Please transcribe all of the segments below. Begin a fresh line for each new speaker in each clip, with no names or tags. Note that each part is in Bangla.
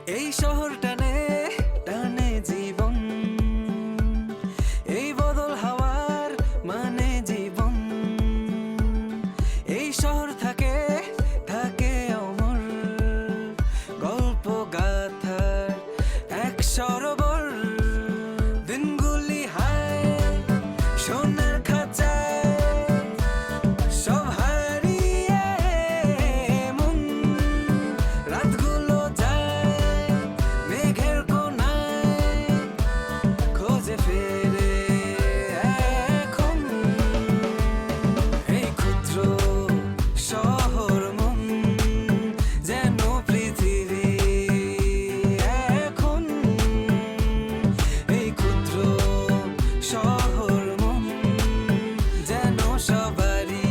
এই শহর টানে টানে জীবন, এই বদল হাওয়ার মানে জীবন। এই শহর থাকে থাকে অমর, গল্প গাথার এক সরোবর। দিনগুলি হায় সোনার খাঁচায়, সব হারিয়ে মন। রাতগুলো যায় মেঘের কোনায়, খোঁজে ফেরে এখন। এই ক্ষুদ্র শহর মন যেন পৃথিবী এখন। এই ক্ষুদ্র শহর মন যেন সবারই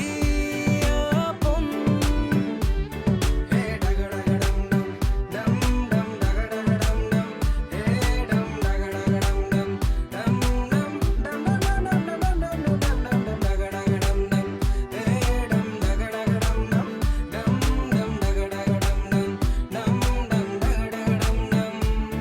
আপন। হে ডাগডাগডম ডম ডম ডাগডাগডম ডম, হে ডম ডাগডাগডম ডম ডম ডম ডম ডম ডম ডম ডম ডম ডাগডাগডম ডম, হে ডম ডাগডাগডম ডম ডম ডম ডাগডাগডম ডম ডম ডম ডাগডাগডম ডম।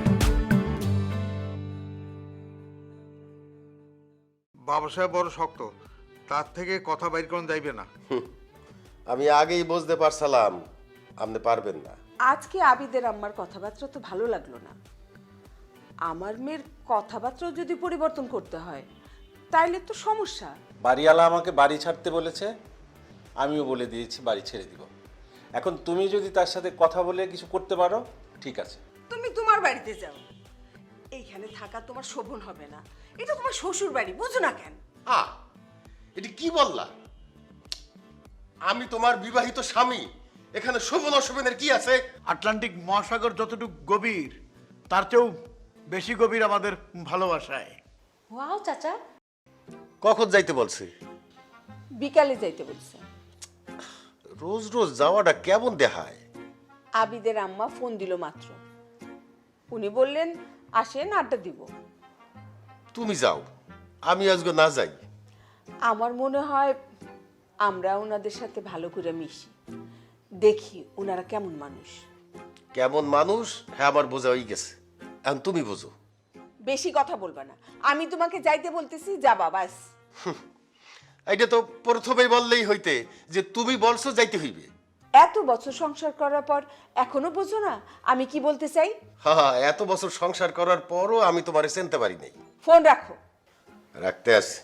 বাবা সাহেব বড় শক্ত, তার থেকে কথা বাইর করুন যাইবে না।
আমি আগেই বুঝতে পারছিলাম আপনি পারবেন না।
আজকে আবিদের আম্মার কথাবার্তা তো ভালো লাগলো না। আমার মেয়ের কথাবার্তাও যদি পরিবর্তন করতে হয় তাইলে তো সমস্যা।
বাড়িওয়ালা আমাকে বাড়ি ছাড়তে বলেছে, আমিও বলে দিয়েছি বাড়ি ছেড়ে দিব। এখন তুমি যদি তার সাথে কথা বলে কিছু করতে পারো ঠিক আছে।
তুমি তোমার বাড়িতে যাও, এইখানে থাকা তোমার শোভন হবে না। এটা তোমার শ্বশুর বাড়ি, বুঝো না কেন?
এটি কি বললা? আমি তোমার বিবাহিত স্বামী, এখানে শোভন অশোভনের কি আছে?
আটলান্টিক মহাসাগর যতটুকু গভীর তার চেয়েও বেশি গভীর আমাদের ভালোবাসায়।
ওয়াও চাচা,
কখন যাইতে বলছে?
বিকালে যাইতে বলছে।
রোজ রোজ যাওয়াটা কেমন দেখায়?
আবিদের আম্মা ফোন দিল মাত্র, উনি বললেন আসেন আড্ডা দিব।
তুমি যাও, আমি আজকে না যাই।
আমার মনে হয় আমরা ওনাদের সাথে ভালো করে মিশি, দেখি ওনারা কেমন মানুষ।
কেমন মানুষ হ্যাঁ আমার বোঝা হয়ে গেছে, এখন তুমি বোঝো।
বেশি কথা বলবা না, আমি তোমাকে যাইতে বলতেছি, যাবা বাস।
এইটা তো প্রথমেই বললেই হইতে যে তুমি বলছো যাইতে হইবে।
এত বছর সংসার করার পর এখনো বোঝো না আমি কি বলতে চাই?
হ্যাঁ, এত বছর সংসার করার পরও আমি তোমারে চিনতে পারি নাই।
ফোন রাখো।
রাখতে আছে।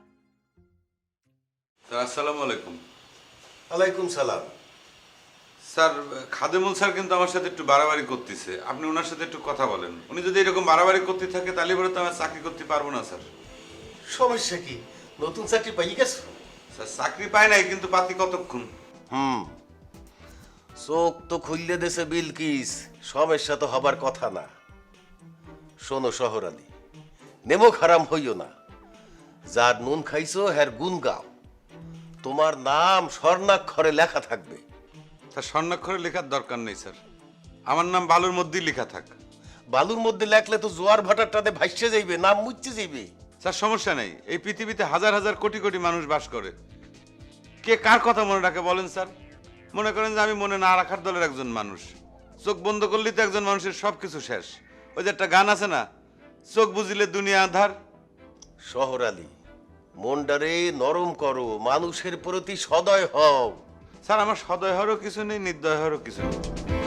স্যার আসসালামু আলাইকুম।
ওয়ালাইকুম সালাম।
স্যার খাদেমুল স্যার কিন্তু আমার সাথে একটু বাড়াবাড়ি করতেছে, আপনি ওনার সাথে একটু কথা বলেন। উনি যদি এরকম বাড়াবাড়ি করতে থাকে তাহলে পরে তো আমি চাকরি করতে পারবো না স্যার।
সমস্যা কি? নতুন চাকরি পাই গেছো?
স্যার চাকরি পায় নাই, কিন্তু পাতি কতক্ষণ।
চোখ তো খুললে দেশে বিলকিস, সমস্যা তো হবার কথা না। শোনো শহরালি, নেমো খারাম হইও না। যার নুন খাইছো হ্যার গুণ গাও। তোমার নাম স্বর্ণাক্ষরে লেখা থাকবে।
স্যার স্বর্ণাক্ষরে লেখার দরকার নেই স্যার, আমার নাম বালুর মধ্যেই লেখা থাক।
বালুর মধ্যে লেখলে তো জোয়ার ভাটারটাতে ভাসছে যাইবে, নাম মুচ্ছে যাইবে।
স্যার সমস্যা নেই, এই পৃথিবীতে হাজার হাজার কোটি কোটি মানুষ বাস করে, কে কার কথা মনে রাখে বলেন স্যার? মনে করেন যে আমি মনে না রাখার দলের একজন মানুষ, চোখ বন্ধ করলেই তো একজন মানুষের সব কিছু শেষ। ওই যে একটা গান আছে না, চোখ বুঝিলে দুনিয়া আধার।
শহরালি, মনটারে নরম করো, মানুষের প্রতি সদয় হও।
স্যার আমার সদয় হওয়ারও কিছু নেই, নির্দয় হওয়ারও কিছু নেই।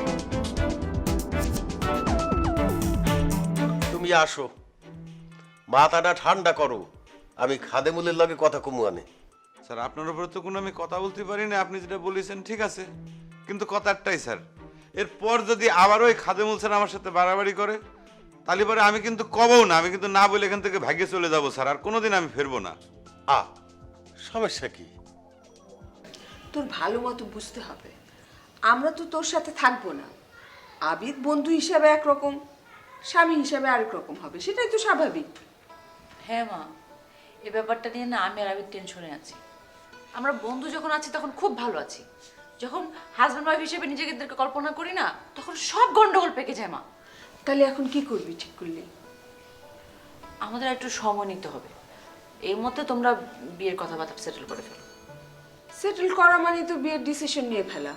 তুমি আসো, মাথাটা ঠান্ডা করো, আমি খাদেমুলের লগে কথা কমু আনে।
স্যার আপনার উপরে তো কোনো আমি কথা বলতে পারি না, আপনি যেটা বলেছেন ঠিক আছে, কিন্তু কথা একটাই স্যার, এরপর যদি আবারও ওই খাদেমুল স্যার আমার সাথে বাড়াবাড়ি করে তাহলে পরে আমি কিন্তু কবও না, আমি কিন্তু না বলে এখান থেকে ভাগে চলে যাবো স্যার, আর কোনোদিন আমি ফিরবো না।
সমস্যা কি?
তোর ভালো মতো বুঝতে হবে, আমরা তো তোর সাথে থাকবো না। আবিদ বন্ধু হিসাবে একরকম, স্বামী হিসাবে আরেক রকম হবে, সেটাই তো স্বাভাবিক।
হ্যাঁ মা, এই ব্যাপারটা নিয়ে না আমি আর আবির টেনশনে আছি। আমরা বন্ধু যখন আছি তখন খুব ভালো আছি, যখন হাজব্যান্ড ওয়াইফ হিসেবে নিজেদেরকে কল্পনা করি না তখন সব গন্ডগোল পেকে যায় মা।
তাহলে এখন কি করবি ঠিক করলি?
আমাদের একটু সময় নিতে হবে, এর মধ্যে তোমরা বিয়ের কথাবার্তা সেটেল করে ফেলো।
সেটেল করা মানে তো বিয়ের ডিসিশন নিয়ে ফেলা।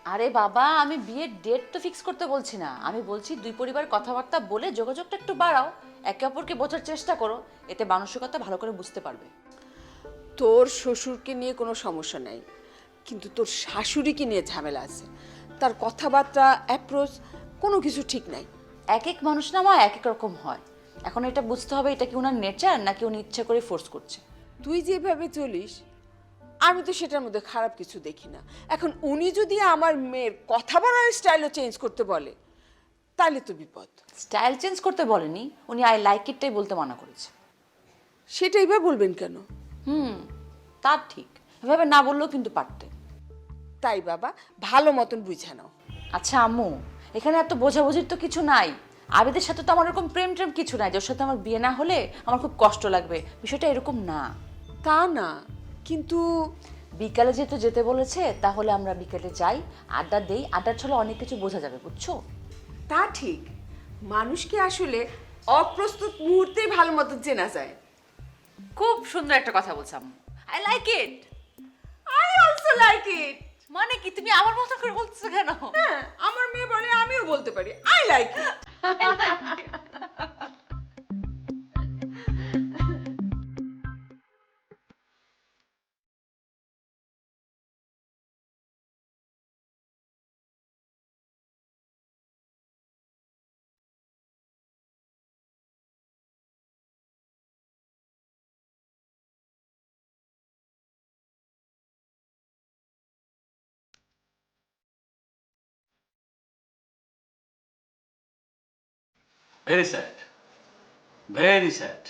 আরে বাবা, আমি বিয়ের ডেট তো ফিক্স করতে বলছি না, আমি বলছি দুই পরিবার কথাবার্তা বলে যোগাযোগটা একটু বাড়াও, একে অপরকে বোঝার চেষ্টা করো, এতে মানসিকতা ভালো করে বুঝতে পারবে।
তোর শ্বশুরকে নিয়ে কোনো সমস্যা নাই, কিন্তু তোর শাশুড়িকে নিয়ে ঝামেলা আছে। তার কথাবার্তা, অ্যাপ্রোচ কোনো কিছু ঠিক নাই।
এক এক মানুষ না মা এক এক রকম হয়, এখন এটা বুঝতে হবে এটা কি ওনার নেচার নাকি উনি ইচ্ছা করে ফোর্স করছে।
তুই যেভাবে চলিস আমি তো সেটার মধ্যে খারাপ কিছু দেখি না। এখন উনি যদি আমার মেয়ের কথা বলার স্টাইলও চেঞ্জ করতে বলে তাহলে তো বিপদ।
স্টাইল চেঞ্জ করতে বলেনি, উনি আই লাইক ইটটাই বলতে মানা করেছে।
সেটাই বা বলবেন কেন?
তা ঠিক, এভাবে না বললেও কিন্তু পারতে।
তাই বাবা ভালো মতন বুঝে নাও।
আচ্ছা আম্মু, এখানে এত বোঝাবুঝির তো কিছু নাই। আবেদের সাথে তো আমার এরকম প্রেম ট্রেম কিছু নাই যার সাথে আমার বিয়ে না হলে আমার খুব কষ্ট লাগবে, বিষয়টা এরকম না।
তা না, কিন্তু
বিকালে যেহেতু যেতে বলেছে তাহলে আমরা বিকেলে যাই, আড্ডা দেই, আড্ডার ছলে অনেক কিছু বোঝা যাবে, বুঝছো?
তা ঠিক, মানুষকে আসলে অপ্রস্তুত মুহূর্তেই ভালো মতো চেনা যায়।
খুব সুন্দর একটা কথা বলছো আম্মু, I like it.
I also like it.
মানে কি তুমি আমার মতো করে বলছো কেন?
হ্যাঁ, আমার মেয়ে বলে আমিও বলতে পারি I like it.
Very sad. Very sad.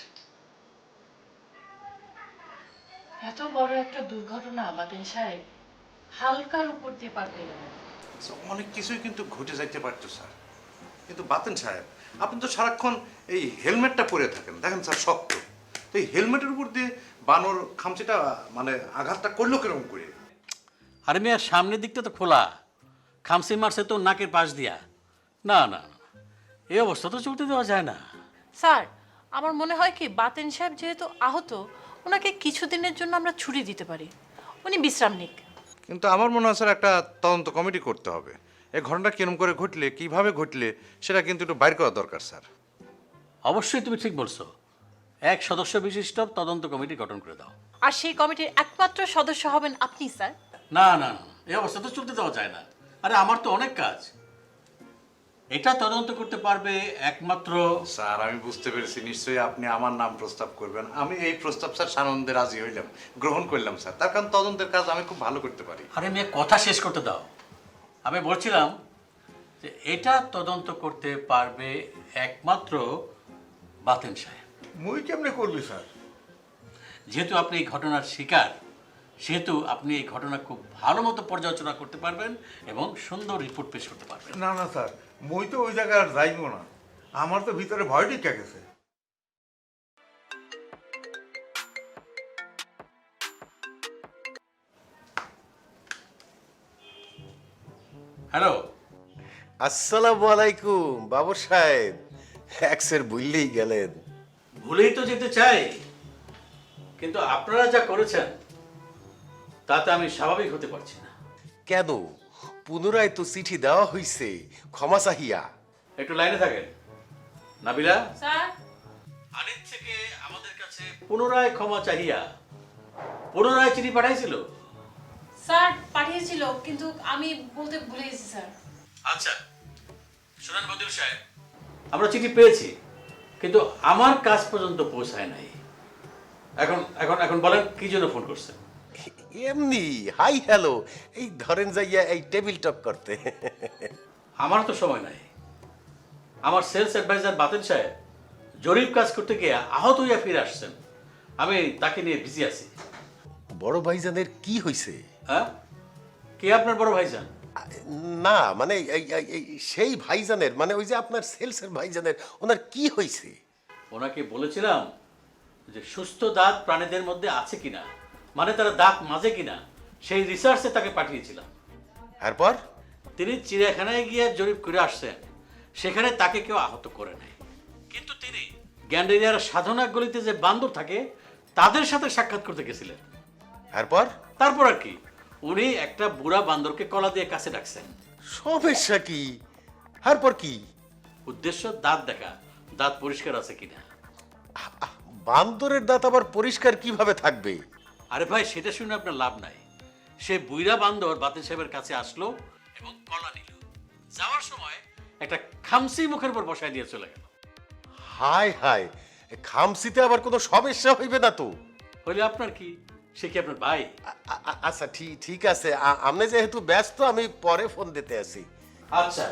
এত বড় একটা দুর্ঘটনা বাতেন সাহেব হালকার উপর দিয়ে পার পেয়ে গেলেন।
অনেক কিছুই কিন্তু ঘটে যাইতে পারতো স্যার, কিন্তু বাতেন সাহেব আপনি তো সারাক্ষণ এই হেলমেটটা পরে থাকেন, দেখেন স্যার শক্ত, তো এই হেলমেটের উপর দিয়ে বানর খামচিটা মানে আঘাতটা করলো কিরকম করে?
আরে মিয়া, সামনের দিকটা তো খোলা, খামসি মারছে তো নাকের পাশ দিয়া। না না, এই অবস্থা তো চলতে দেওয়া যায় না।
স্যার, আমার মনে হয় কি বাতেন সাহেব যেহেতু আহত, ওনাকে কিছুদিনের জন্য আমরা ছুটি দিতে পারি, উনি বিশ্রাম নিক।
কিন্তু আমার মনে হয় স্যার একটা তদন্ত কমিটি করতে হবে, এই ঘটনাটা কিরম করে ঘটলে, কিভাবে ঘটলে সেটা কিন্তু একটু বাইর করা দরকার স্যার।
অবশ্যই তুমি ঠিক বলছো, এক সদস্য বিশিষ্ট তদন্ত কমিটি গঠন করে দাও।
আর সেই কমিটির একমাত্র সদস্য হবেন আপনি স্যার।
না না না, এই অবস্থা তো চলতে দেওয়া যায় না। আরে আমার তো অনেক কাজ, এটা তদন্ত করতে পারবে একমাত্র।
স্যার আমি বুঝতে পেরেছি, নিশ্চয়ই আপনি আমার নাম প্রস্তাব করবেন। আমি এই প্রস্তাব স্যার সানন্দে রাজি হইলাম, গ্রহণ করলাম স্যার, তার কারণ তদন্তের কাজ আমি খুব ভালো করতে পারি।
আরে মেয়ে, কথা শেষ করতে দাও। আমি বলছিলাম যে এটা তদন্ত করতে পারবে একমাত্র বাতেন সাহেব।
মুই কেমনে করবি স্যার?
যেহেতু আপনি এই ঘটনার শিকার, সেহেতু আপনি এই ঘটনা খুব ভালো মতো পর্যালোচনা করতে পারবেন এবং সুন্দর রিপোর্ট পেশ করতে পারবেন।
না না স্যার, মুই তো ওই জায়গায় আর যাইব না, আমার তো ভিতরে ভয় ঢুকে গেছে।
হ্যালো,
আসসালামু আলাইকুম বাবু সাহেব, এক্সের ভুললেই গেলেন।
ভুলেই তো যেতে চাই, কিন্তু আপনারা যা করেছেন তাতে আমি স্বাভাবিক হতে পারছি না।
কেন? পুনরায় তো চিঠি দেওয়া হয়েছে ক্ষমা চাহিয়া।
একটু লাইনে থাকেন। নাবিলা,
স্যার,
আনিত থেকে আমাদের কাছে পুনরায় ক্ষমা চাহিয়া পুনরায় চিঠি পাঠাইছিল।
স্যার পাঠিয়েছিল কিন্তু আমি বলতে ভুলে গেছি স্যার।
আচ্ছা শুনুন বদিউল সাহেব, আমরা চিঠি পেয়েছি কিন্তু আমার কাজ পর্যন্ত পৌঁছায় নাই। এখন এখন এখন বলেন কি জন্য ফোন করছেন?
এমনি হাই হ্যালো, এই ধরেন যাইয়া এই টেবিল টক করতে।
আমার তো সময় নাই। আমার সেলস অ্যাডভাইজার বাতেন সাহেব জরিপ কাজ করতে গিয়ে আহত হইয়া ফিরে আসছেন, আমি তাকে নিয়ে বিজি আছি।
বড় ভাইজানের কি হয়েছে?
হ্যাঁ, কে আপনার বড় ভাইজান?
না মানে সেই ভাইজানের, মানে ওই যে আপনার সেলসের ভাইজানের, ওনার কি হয়েছে?
ওনাকে বলেছিলাম যে সুস্থ দাঁত প্রাণীদের মধ্যে আছে কিনা, মানে তারা দাঁত মাজে কিনা, সেই রিসার্চে তাকে পাঠিয়েছিলাম।
তারপর
তিনি চিড়িয়াখানায় গিয়ে জরিপ করে আসছেন, সেখানে তাকে কেউ আহত করে নাই, কিন্তু তিনি গ্যান্ডেরিয়ার সাধনা গলিতে যে বান্দর থাকে তাদের সাথে সাক্ষাৎ করতে গেছিলেন।
তারপর
তারপর আর কি, উনি একটা বুড়া বান্দরকে কলা দিয়ে কাছে ডাকছেন।
সমস্যা কি? তারপর কি?
উদ্দেশ্য দাঁত দেখা, দাঁত পরিষ্কার আছে কিনা।
বান্দরের দাঁত আবার পরিষ্কার কিভাবে থাকবে?
আরে ভাই, সেটা শুনে আপনার লাভ নাই। সে বুইরা বান্দর বাতেন সাহেবের কাছে আসলো এবং কলা নিল। যাওয়ার সময় একটা খামসি মুখের উপর বসায় দিয়ে চলে গেল।
হায় হায়, খামসিতে আবার কোনো সমস্যা হইবে না তো?
হইলে আপনার কি? সে কি আপনার ভাই?
আচ্ছা, ঠিক আছে, আপনি যেহেতু ব্যস্ত, আমি পরে ফোন দিতে আছি।
আচ্ছা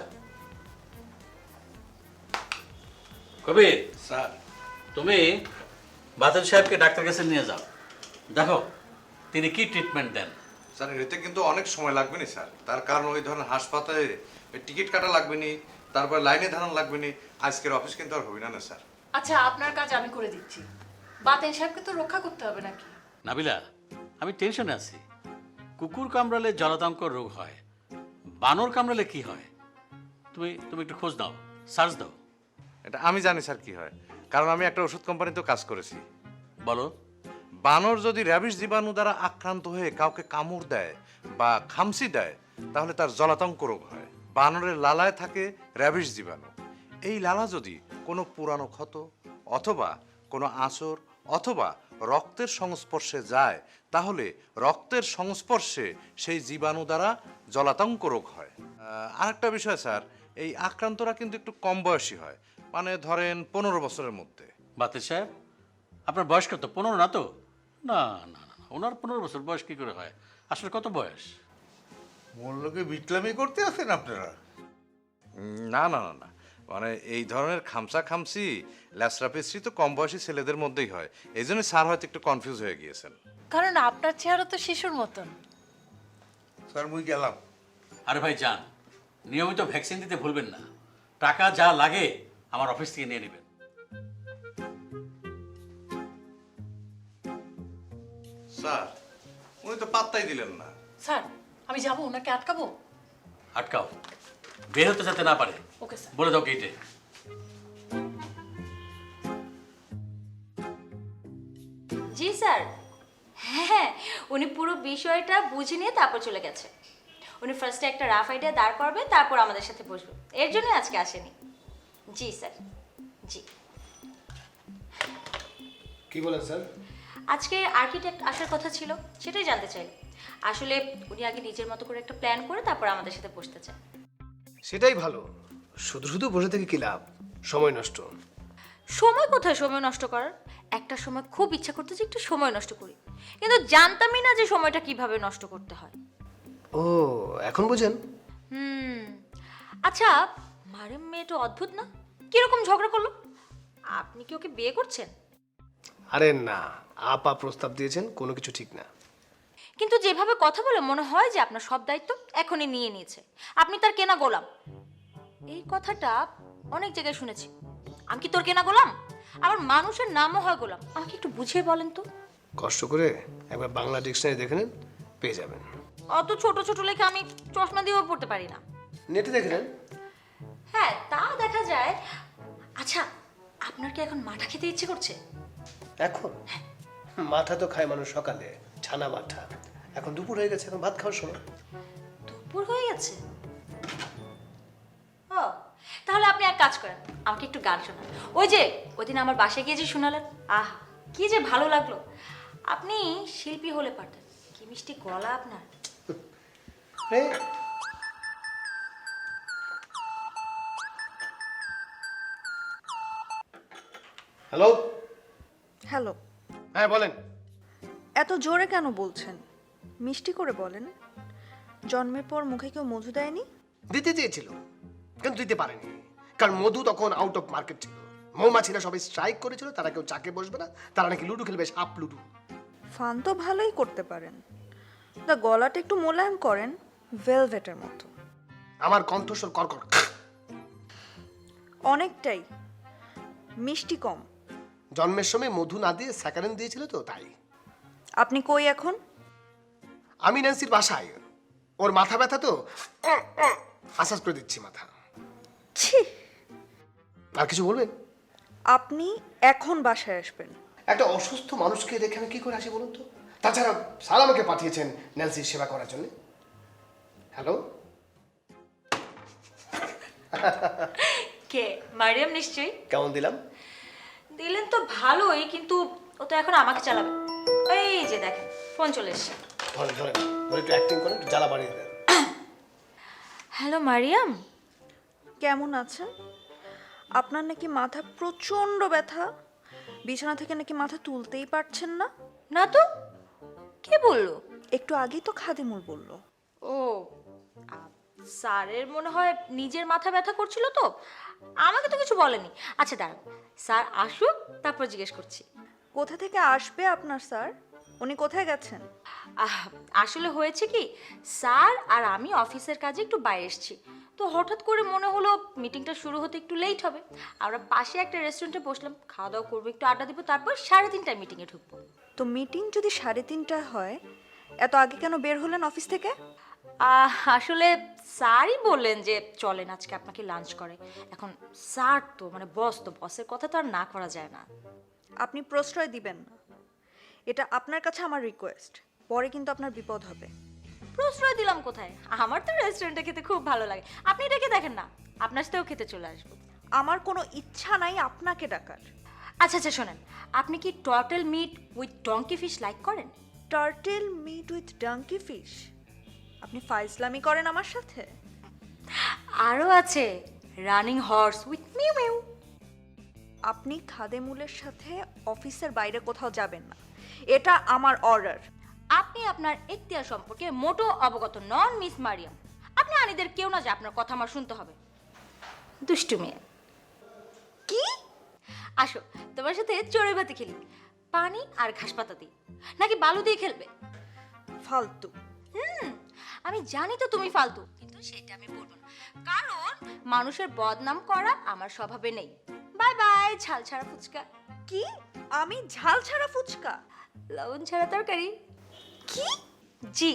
কবির,
স্যার
তুমি বাতেন সাহেবকে ডাক্তার কাছে নিয়ে যাও, দেখো তিনি কি ট্রিটমেন্ট দেন।
স্যার এতে কিন্তু অনেক সময় লাগবে না স্যার, তার কারণ ওই ধরনের হাসপাতালে টিকিট কাটা লাগবে নি, তারপর লাইনে দাঁড়ানো লাগবে নি, আজকের অফিস কিন্তু আর হবে না স্যার।
আচ্ছা, আপনার কাজ আমি করে দিচ্ছি। বাতেন সাহেবকে তো রক্ষা করতে হবে নাকি?
নাবিলা, আমি টেনশনে আছি। কুকুর কামড়ালে জলাতঙ্ক রোগ হয়, বানর কামড়ালে কি হয়? তুমি তুমি একটু খোঁজ দাও, সার্চ দাও।
এটা আমি জানি স্যার কি হয়, কারণ আমি একটা ওষুধ কোম্পানিতেও কাজ করেছি।
বলো।
বানর যদি র্যাবিস জীবাণু দ্বারা আক্রান্ত হয়ে কাউকে কামড় দেয় বা খামসি দেয়, তাহলে তার জলাতঙ্ক রোগ হয়। বানরের লালায় থাকে র্যাবিস জীবাণু। এই লালা যদি কোনো পুরানো ক্ষত অথবা কোনো আঁচড় অথবা রক্তের সংস্পর্শে যায়, তাহলে রক্তের সংস্পর্শে সেই জীবাণু দ্বারা জলাতঙ্ক রোগ হয়। আরেকটা বিষয় স্যার, এই আক্রান্তরা কিন্তু একটু কম বয়সী হয়, মানে ধরেন 15 বছরের মধ্যে।
বাতেন সাহেব, আপনার বয়স কত? 15 না তো? না না না, ওনার 15 বছর বয়স কি করে হয়? আসলে কত বয়স?
মূল্যকে বিটলামি করতে আছেন আপনারা?
না না না না, মানে এই ধরনের খামসি ল্যাসরা পেস্ট্রি তো কম বয়সী ছেলেদের মধ্যেই হয়, এই জন্য স্যার হয়তো একটু কনফিউজ হয়ে গিয়েছেন।
কারণ আপনার চেহারা তো শিশুর মতন।
স্যার মুই গেলাম।
আরে ভাই যান, নিয়মিত ভ্যাকসিন দিতে ভুলবেন না। টাকা যা লাগে আমার অফিস থেকে নিয়ে নেবেন।
স্যার উনি তো পাত্তাই দিলেন না।
স্যার, আমি যাবো, ওনাকে আটকাবো?
আটকাও, বের হতে যাতে না পারে।
Okay sir.
বলে দাও গেটে।
জি স্যার, হ্যাঁ, উনি পুরো বিষয়টা বুঝে নিয়ে তারপর চলে গেছে। উনি ফার্স্টে একটা রাফ আইডিয়া দাঁড় করবে, তারপর আমাদের সাথে বসবে, এর জন্য আজকে আসেনি। জি স্যার, জি।
কি বলেন স্যার?
আজকে আর্কিটেক্ট আসার কথা ছিল, সেটাই জানতে চাইলে। আসলে উনি আগে নিজের মতো করে একটা প্ল্যান করে তারপর আমাদের সাথে বসতে চান।
সেটাই ভালো, শুধু শুধু বসে থেকে কি লাভ, সময় নষ্ট।
সময় কোথায় সময় নষ্ট করার? একটা সময় খুব ইচ্ছা করতে যে একটু সময় নষ্ট করি, কিন্তু জানতামই না যে সময়টা কিভাবে নষ্ট করতে হয়।
ও, এখন বুঝেন?
আচ্ছা, মারেম মেয়েটা অদ্ভুত না? কিরকম ঝগড়া করলো? আপনি কি ওকে বিয়ে করছেন?
আরে না, আপা প্রস্তাব দিয়েছেন, কোনো কিছু ঠিক না।
কিন্তু যেভাবে কথা বলে মনে হয় যে আপনার সব দায়িত্ব এখনই নিয়ে নিয়েছে, আপনি তার কেনা গোলাম। এই কথাটা অনেক জায়গায় শুনেছি। আমি কি তোর কেনা গোলাম? আবার মানুষের নামও হয় গোলাম। আমাকে একটু বুঝিয়ে বলেন তো।
কষ্ট করে একবার বাংলা ডিকশনারি দেখে নেন, পেয়ে যাবেন।
অত ছোট ছোট লেখা আমি চশমা দিয়েও পড়তে পারি না।
নেটে দেখে নেন।
হ্যাঁ, তা দেখা যায়। আচ্ছা, আপনার কি এখন মাঠা খেতে ইচ্ছে করছে?
এখন মাথা তো খায় মানুষ সকালে, ছানা মাথা। এখন দুপুর হয়ে গেছে, এখন ভাত খাওয়ার সময়।
দুপুর হয়ে গেছে? ও, তাহলে আপনি এক কাজ করেন, আমাকে একটু গান শোনান। ওই যে ওইদিন আমার বাসায় গিয়ে যে শোনালেন, আহা কি যে ভালো লাগলো। আপনি শিল্পী হলে পারতেন। কি মিষ্টি গলা আপনার।
হ্যালো।
হ্যালো।
হ্যাঁ বলেন।
এত জোরে কেন বলছেন? মিষ্টি করে বলেন। জন্মের পর মুখে কেউ মধু দেয়নি?
দিতে চেয়েছিল কিন্তু দিতে পারেনি, কারণ মধু তখন আউট অফ মার্কেট ছিল। মৌমাছিরা সবাই স্ট্রাইক করেছিল, তারা কেউ চাকে বসবে না, তারা নাকি লুডু খেলবে, সাপ লুডু।
ফান তো ভালোই করতে পারেন, তা গলাটা একটু মোলায়েম করেন, ভেলভেটের মতো।
আমার কণ্ঠস্বর কর্কর।
অনেকটাই। মিষ্টি কম।
জন্মের সময় মধু না দিয়ে স্যাকারিন দিয়েছিল তো, তাই।
আপনি কই এখন?
আমি ন্যান্সির বাসায়। ওর মাথা ব্যথা তো, আশ্বাস করে দিচ্ছি মাথা।
ছি।
আর কিছু বলবেন?
আপনি এখন বাসায় আসবেন।
একটা অসুস্থ মানুষকে দেখে আমি কি করে আসি বলুন তো? তাছাড়া স্যার আমাকে পাঠিয়েছেন ন্যান্সির সেবা করার জন্য। হ্যালো,
কে? মারিয়াম নিশ্চয়ই।
কেমন দিলাম?
দিলেন তো ভালোই, কিন্তু ও তো এখন আমাকে চালাবে। এই যে দেখেন ফোন চলে এসছে।
ধরে ধরে ধরে একটু অ্যাক্টিং করে একটু জ্বালা বাড়িয়ে দেন।
হ্যালো মারিয়াম।
কেমন আছেন? আপনার নাকি মাথা প্রচণ্ড ব্যথা, বিছানা থেকে নাকি মাথা তুলতেই পারছেন না।
না তো, কে বললো?
একটু আগেই তো খাদিমুল বলল।
ও, স্যারের মনে হয় নিজের মাথা ব্যথা করছিল, তো আমাকে তো কিছু বলেনি। আচ্ছা দাঁড়ান, স্যার আসুক তারপর জিজ্ঞেস করছি।
কোথা থেকে আসবে আপনার স্যার? উনি কোথায় গেছেন?
আসলে হয়েছে কি, স্যার আর আমি অফিসের কাজে একটু বাইরে এসেছি, তো হঠাৎ করে মনে হলো মিটিংটা শুরু হতে একটু লেট হবে। আমরা পাশে একটা রেস্টুরেন্টে বসলাম, খাওয়া দাওয়া করবো, একটু আড্ডা দিব, তারপর 3:30টায় মিটিংয়ে ঢুকবো।
তো মিটিং যদি 3:30টায় হয়, এত আগে কেন বের হলেন অফিস থেকে?
আসলে স্যারই বললেন যে চলেন আজকে আপনাকে লাঞ্চ করে। এখন স্যার তো মানে বস, তো বসের কথা তো আর না করা যায় না।
আপনি প্রশ্রয় দিবেন না, এটা আপনার কাছে আমার রিকোয়েস্ট। পরে কিন্তু আপনার বিপদ হবে।
প্রশ্রয় দিলাম কোথায়? আমার তো রেস্টুরেন্টে খেতে খুব ভালো লাগে, আপনি ডেকে দেখেন না, আপনার সাথেও খেতে চলে আসবো।
আমার কোনো ইচ্ছা নাই আপনাকে ডাকার।
আচ্ছা আচ্ছা শোনেন, আপনি কি turtle meet with donkey fish like করেন?
Turtle meet with donkey fish? আপনি ফাইজলামি করেন আমার সাথে?
আরও আছে running horse with mew mew.
আপনি খাদেমুলের সাথে অফিসের বাইরে কোথাও যাবেন না, এটা আমার অর্ডার।
আপনি আপনার এখতিয়ার সম্পর্কে মোটো অবগত নন মিস মারিয়াম। আপনি আনিদের কেউ না যে আপনার কথা আমার শুনতে হবে। দুষ্টু মেয়ে।
কি?
আসো তোমার সাথে চড়ুই ভাতি খেলি, পানি আর ঘাস পাতা দিয়ে, নাকি বালু দিয়ে খেলবে?
ফালতু।
আমি জানি তো তুমি ফালতু, কিন্তু সেটা আমি বলবো না, কারণ মানুষের বদনাম করা আমার স্বভাবে নেই। বাই বাই ঝাল ছাড়া ফুচকা।
কি? আমি ঝাল ছাড়া ফুচকা?
লবণ ছাড়া তরকারি। কি? জি।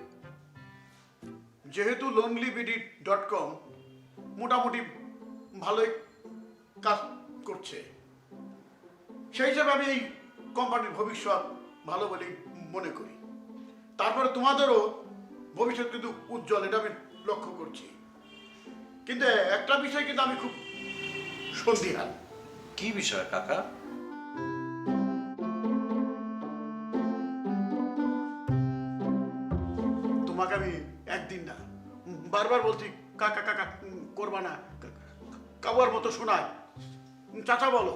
যেহেতু lonelyBD.com মোটামুটি ভালোই কাজ করছে, সেই হিসাবে আমি এই কোম্পানির ভবিষ্যৎ ভালো বলেই মনে করি। তারপরে তোমাদেরও ভবিষ্যৎ কিন্তু উজ্জ্বল, এটা আমি লক্ষ্য করছি। কিন্তু একটা বিষয় কিন্তু আমি খুব সন্দিহান।
কি বিষয় কাকা?
তোমাকে আমি একদিন না বারবার বলছি কাকা কাকা করবা না, কাবার মতো শোনায়, চাচা বলো।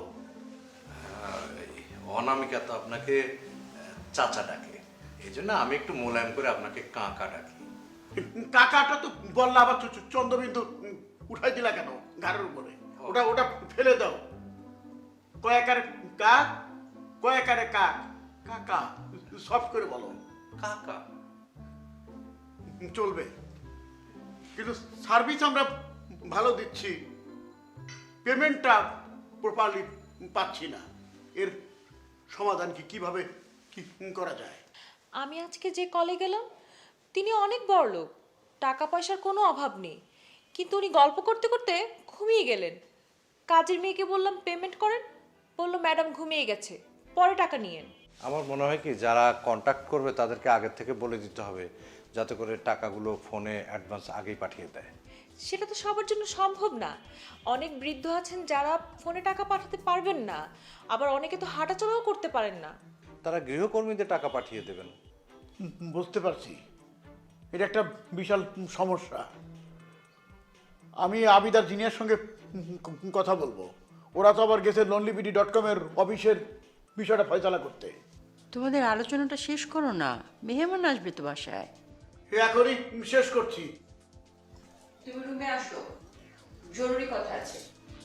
অনামিকা তো আপনাকে চাচা ডাকে, এই জন্য আমি একটু মোলায়েম করে আপনাকে কাকা ডাকি।
কাকাটা তো বললা, আবার চন্দ্রবিন্দু উঠাই দিলা কেন ঘাড়ের উপরে? ওটা ওটা ফেলে দাও। কয়েকারে কাক, কয়েকারে কাক, কাকা সফট করে বলো।
কাকা
চলবে, কিন্তু সার্ভিস আমরা ভালো দিচ্ছি, পেমেন্টটা প্রপারলি পাচ্ছি না। এর সমাধান কিভাবে কি করা যায়?
আমি আজকে যে কলে গেলাম তিনি অনেক বড় লোক, টাকা পয়সার কোনো অভাব নেই, কিন্তু উনি গল্প করতে করতে ঘুমিয়ে গেলেন। কাজের মেয়েকে বললাম পেমেন্ট করেন, বললো ম্যাডাম ঘুমিয়ে গেছে, পরে টাকা নিয়েন।
আমার মনে হয় কি, যারা কন্ট্যাক্ট করবে তাদেরকে আগের থেকে বলে দিতে হবে, যাতে করে টাকাগুলো ফোনে অ্যাডভান্স আগেই পাঠিয়ে দেয়।
সেটা তো সবার জন্য সম্ভব না। অনেক বৃদ্ধ আছেন যারা ফোনে টাকা পাঠাতে পারবেন না, আবার অনেকে তো হাঁটাচলাও করতে পারেন না।
তারা গৃহকর্মীদের টাকা পাঠিয়ে দেবেন।
বুঝতে পারছি, এটা একটা বিশাল সমস্যা। আমি আবিদার জিনিয়ার সঙ্গে কথা বলবো, ওরা তো আবার গেছে lonelyBD.com এর অফিসের বিষয়টা ফয়সালা করতে।
তোমাদের আলোচনাটা শেষ করো না, মেহমান আসবে তো বাসায়।
এখনই শেষ করছি।
তুমি রুমে আসো, জরুরি কথা আছে।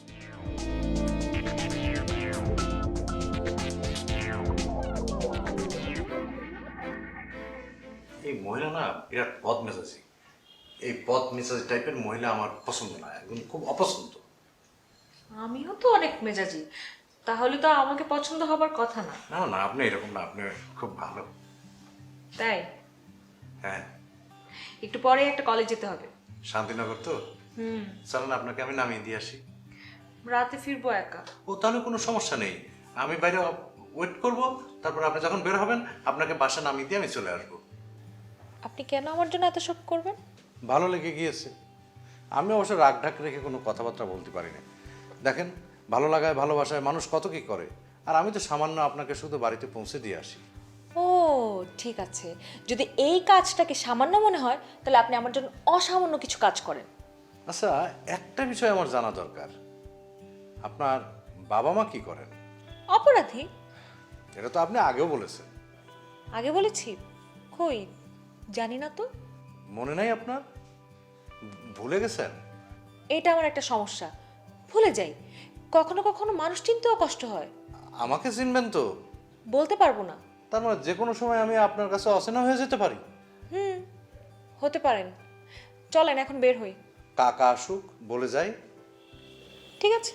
এই মহিলা না বিরাট পদ মেজাজি, এই পদ মেজাজি টাইপের মহিলা আমার পছন্দ না, একদম খুব অপছন্দ।
আমিও তো অনেক মেজাজি, তাহলে তো আমাকে পছন্দ হবার কথা না।
না না, আপনি এরকম না, আপনি খুব ভালো।
তাই?
হ্যাঁ,
একটু পরে একটা কলেজ যেতে হবে।
শান্তিনগর তো। চলেন আপনাকে আমি নামিয়ে দিয়ে আসি।
রাতে ফিরবো একা।
ও তাহলে কোনো সমস্যা নেই, আমি বাইরে ওয়েট করব, তারপর আপনি যখন বের হবেন আপনাকে বাসা নামিয়ে দিয়ে আমি চলে আসবো।
আপনি কেন আমার জন্য এত সব করবেন?
ভালো লেগে গিয়েছে। আমি অবশ্য রাগ ঢাক রেখে কোনো কথাবার্তা বলতে পারি না। দেখেন, ভালো লাগায় ভালোবাসায় মানুষ কত কি করে, আর আমি তো সামান্য আপনাকে শুধু বাড়িতে পৌঁছে দিয়ে আসি।
ও ঠিক আছে, যদি এই কাজটাকে সামান্য মনে হয় তাহলে আপনি আমার জন্য অসামান্য কিছু কাজ করেন।
আচ্ছা, একটা বিষয় আমার জানা দরকার, আপনার বাবা মা কি করেন?
অপরাধী?
এটা তো আপনি আগেও বলেছেন।
আগে বলেছি? কই, জানি না তো।
মনে নাই আপনার? ভুলে গেছেন?
এটা আমার একটা সমস্যা, ভুলে যাই। কখনো কখনো মানুষ চিনতেও কষ্ট হয়।
আমাকে চিনবেন তো?
বলতে পারবো না।
তার মানে যে কোনো সময় আমি আপনার কাছে অচেনা হয়ে যেতে পারি?
হতে পারেন। চলেন এখন বের হই।
কাকা আসুক, বলে যাই।
ঠিক আছে।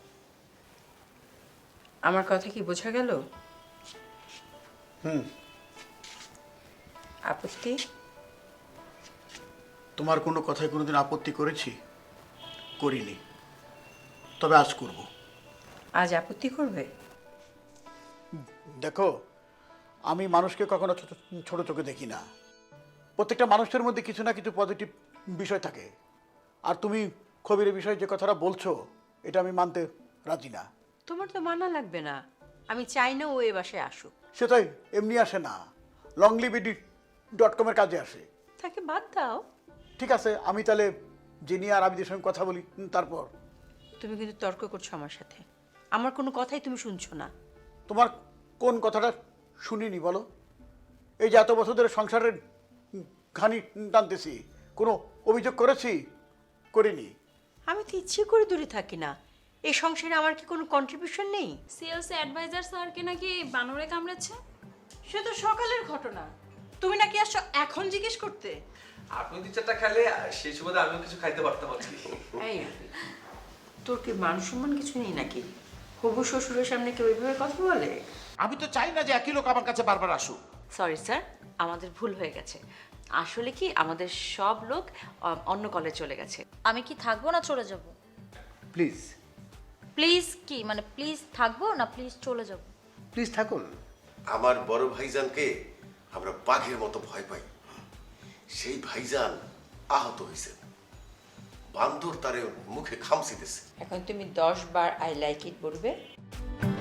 আমার কথা কি বোঝা গেল? আপত্তি?
তোমার কোনো কথায় কোনোদিন আপত্তি করেছি? করিনি, তবে আজ করব।
আজ আপত্তি করবে?
দেখো, আমি মানুষকে কখনো ছোট চোখে দেখি না। প্রত্যেকটা মানুষের মধ্যে কিছু না কিছু পজিটিভ বিষয় থাকে। আর তুমি খবিরের বিষয়ে যে কথাটা বলছো, এটা আমি মানতে রাজি না।
তোমার তো মানা লাগবে না, আমি চাই না ও এ বাসায় আসুক।
সেটাই, এমনি আসে না, longlivd.com কাজে আসে।
তাকে বাদ দাও।
ঠিক আছে, আমি তাহলে জেনিয়া আর আবিদের সঙ্গে কথা বলি, তারপর।
তুমি কিন্তু তর্ক করছো আমার সাথে, আমার কোনো কথাই তুমি শুনছো না।
তোমার কোন কথাটা শুনিনি বলো? এই যে এত বছর ধরে সংসারের ঘানি টানতেছি, কোনো অভিযোগ করেছি? করিনি।
আমি তো ইচ্ছে করে দূরে থাকি না, এই সংসারে আমার কি কোনো কন্ট্রিবিউশন নেই?
সেলস অ্যাডভাইজার স্যারকে নাকি বানরে কামড়েছে।
সে তো সকালের ঘটনা, তুমি নাকি আসছো এখন জিজ্ঞেস করতে?
আপনি 2-4টা খেলে সেই সুবাদে আমিও কিছু খাইতে পারতাম আর কি।
এই, তোর কি মান সম্মান কিছু নেই নাকি? হবু শ্বশুরের সামনে কেউ ওইভাবে কথা বলে?
আমি তো চাই না যে একই লোক আমার কাছে বারবার আসুক।
সরি স্যার, আমাদের ভুল হয়ে গেছে। আসলে কি আমাদের সব লোক অন্য কলে চলে গেছে।
আমি কি থাকবো না চলে যাব?
প্লিজ
প্লিজ কি মানে, প্লিজ থাকবো না প্লিজ চলে যাব?
প্লিজ থাকুন।
আমার বড় ভাইজানকে আমরা বাঘের মতো ভয় পাই। সেই ভাইজান আহত হয়েছে, বান্দর তারে মুখে খামচিতেছে।
এখন তুমি 10 বার আই লাইক ইট বলবে।